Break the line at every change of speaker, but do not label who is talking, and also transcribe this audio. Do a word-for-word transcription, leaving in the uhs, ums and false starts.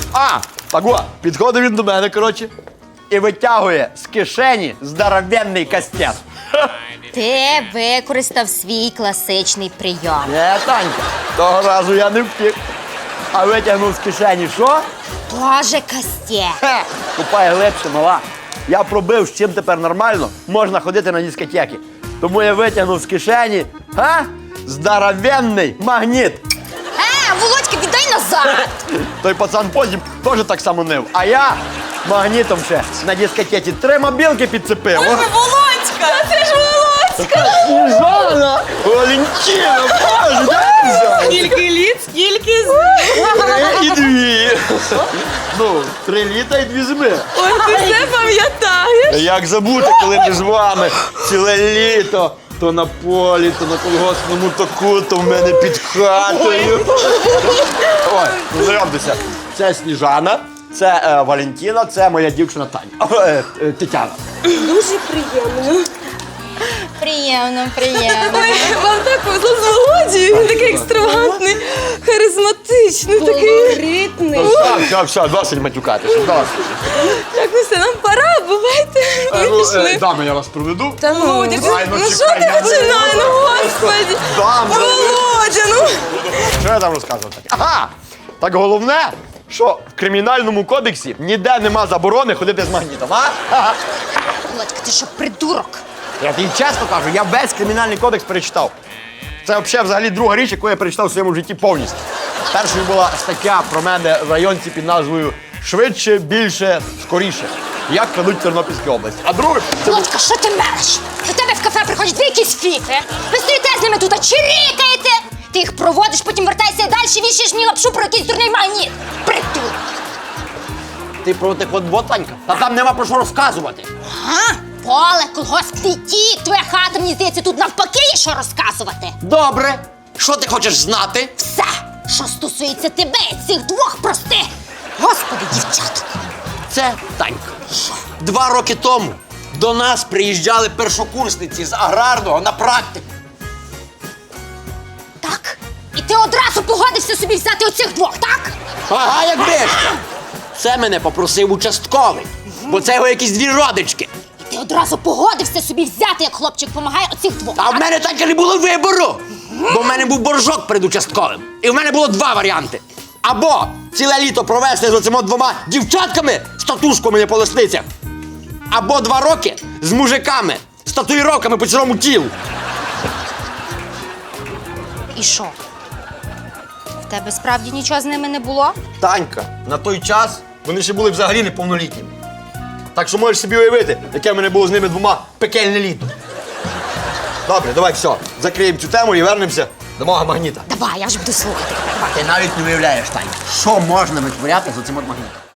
А, так о, підходить він до мене, коротше, і витягує з кишені здоровенний кастет.
Ти використав свій класичний прийом.
Не, Танька, того разу я не втік. А витягнув з кишені що?
Боже, кастє.
Хе, купай глибше, мала. Я пробив, з чим тепер нормально можна ходити на дискотеки. Тому я витягнув з кишені, га? Здоровенний магніт.
Е, Володька, віддай назад.
Той пацан потім теж так само нив. А я магнітом ще на дискотеці три мобілки підцепив. О,
Володька, це ж Володька.
Сніжана! Валентина, боже, де ти взяла?
Скільки літ, скільки з...
Три і дві. Ну, три літа і дві зими.
Ой, ти все пам'ятаєш?
Як забути, коли ми з вами ціле літо, то на полі, то на колгоспному току, то в мене під хатою. Ой, ну знайомтеся. Це Сніжана, це е, Валентина, це моя дівчина Таня. Е, е, Тетяна.
Дуже приємно.
Приємно, приємно.
Ой, вам так повезло з Володією. Він такий екстравагантний, харизматичний, такий ритний.
Все, все, все, досить матюкатися, досить.
Так, ну все, нам пора, бувайте.
Е,
Ми
ну, е,
пішли.
Дами, я вас проведу.
Та ну, Володя,
Ай, ну,
ну що
чекай,
ти
я не
починаєш, ну господи.
Дам,
Володя, ну.
Що я там розказував таке? Ага! Так головне, що в кримінальному кодексі ніде нема заборони ходити з магнітом, а? Ага.
Володька, ти що, придурок?
Я тобі чесно кажу, я весь кримінальний кодекс перечитав. Це взагалі, взагалі друга річ, яку я перечитав в своєму житті повністю. Першою була стаття про мене в районці під назвою «Швидше, більше, скоріше. Як крадуть в Тернопільській області». А друге, це був...
Володька, що ти мереш? До тебе в кафе приходять дві якісь фіфи. Ви стоїте з ними тут, а чирікаєте. Ти їх проводиш, потім вертайся і далі вішаєш мені лапшу про якийсь дурний магніт. Придурок.
Ти про тих от ботанька? Та там нема про що розказувати.
Ага, поле, колгосп, ті, твоя хата, мені здається, тут навпаки є що розказувати.
Добре. Що ти хочеш знати?
Все, що стосується тебе і цих двох простих. Господи, дівчаток.
Це Танька. Два роки тому до нас приїжджали першокурсниці з аграрного на практику.
Так? І ти одразу погодився собі взяти оцих двох, так?
Ага, як биш! Це мене попросив участковий, бо це його якісь дві родички.
І ти одразу погодився собі взяти, як хлопчик помагає оцих двох.
А в мене так і не було вибору, бо в мене був боржок перед участковим. І в мене було два варіанти. Або ціле літо провести з оцими двома дівчатками з татушками по лисницях, або два роки з мужиками з татуїровками по цілому тілу.
І що? В тебе справді нічого з ними не було?
Танька, на той час вони ще були взагалі неповнолітніми. Так що можеш собі уявити, яке в мене було з ними двома пекельне літо. Добре, давай все, закриємо цю тему і вернемося до мого магніта.
Давай, я вже буду слухати.
Ти навіть не уявляєш, Танька, що можна витворяти з оцим от магнітом.